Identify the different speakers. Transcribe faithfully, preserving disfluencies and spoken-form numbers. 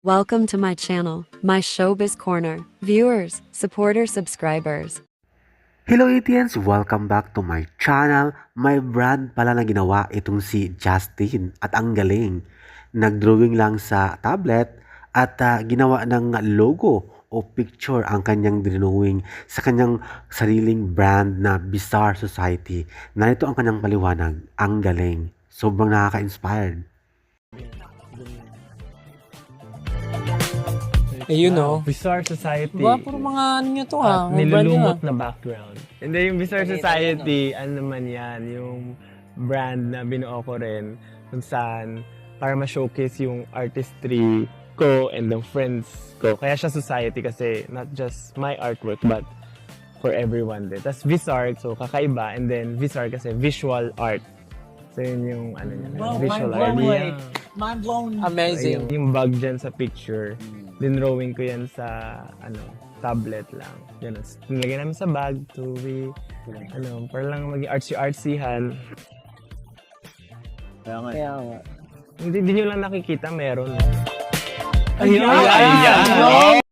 Speaker 1: Welcome to my channel, my Showbiz Corner. Viewers, supporters, subscribers.
Speaker 2: Hello Etiens! Welcome back to my channel. May brand pala na ginawa itong si Justin at ang galing. Nagdrawing lang sa tablet at uh, ginawa ng logo o picture ang kanyang drawing sa kanyang sariling brand na Bizarre Society. Narito ang kanyang paliwanag. Ang galing. Sobrang nakaka-inspired.
Speaker 3: Eh, you know.
Speaker 4: Bizarre Society.
Speaker 3: Diba, puro mga ano nyo to ha?
Speaker 4: At
Speaker 3: Mga brand nyo,
Speaker 4: nilulumot
Speaker 3: ha?
Speaker 4: na background. Hindi, yung Bizarre Society, ano naman yan, yung brand na binuo ko rin kung saan para ma-showcase yung artistry ko and the friends ko. Kaya siya society kasi not just my artwork but for everyone din. Tapos Bizarre, so kakaiba. And then Bizarre kasi visual art. So yun yung ano niya,
Speaker 5: Wow,
Speaker 4: visual
Speaker 5: mind
Speaker 4: art.
Speaker 5: blown,
Speaker 4: Yeah.
Speaker 5: Mind blown.
Speaker 3: Amazing.
Speaker 4: Ayun, yung bag dyan sa picture, dinrawing ko yan sa ano tablet lang. Ganun. Nilagay namin sa bag to be, ano, para lang maging artsy-artsyhan.
Speaker 5: Kaya nga.
Speaker 3: Kaya nga.
Speaker 4: Hindi, hindi nyo lang nakikita, meron.
Speaker 3: Ayan!
Speaker 4: Ayan!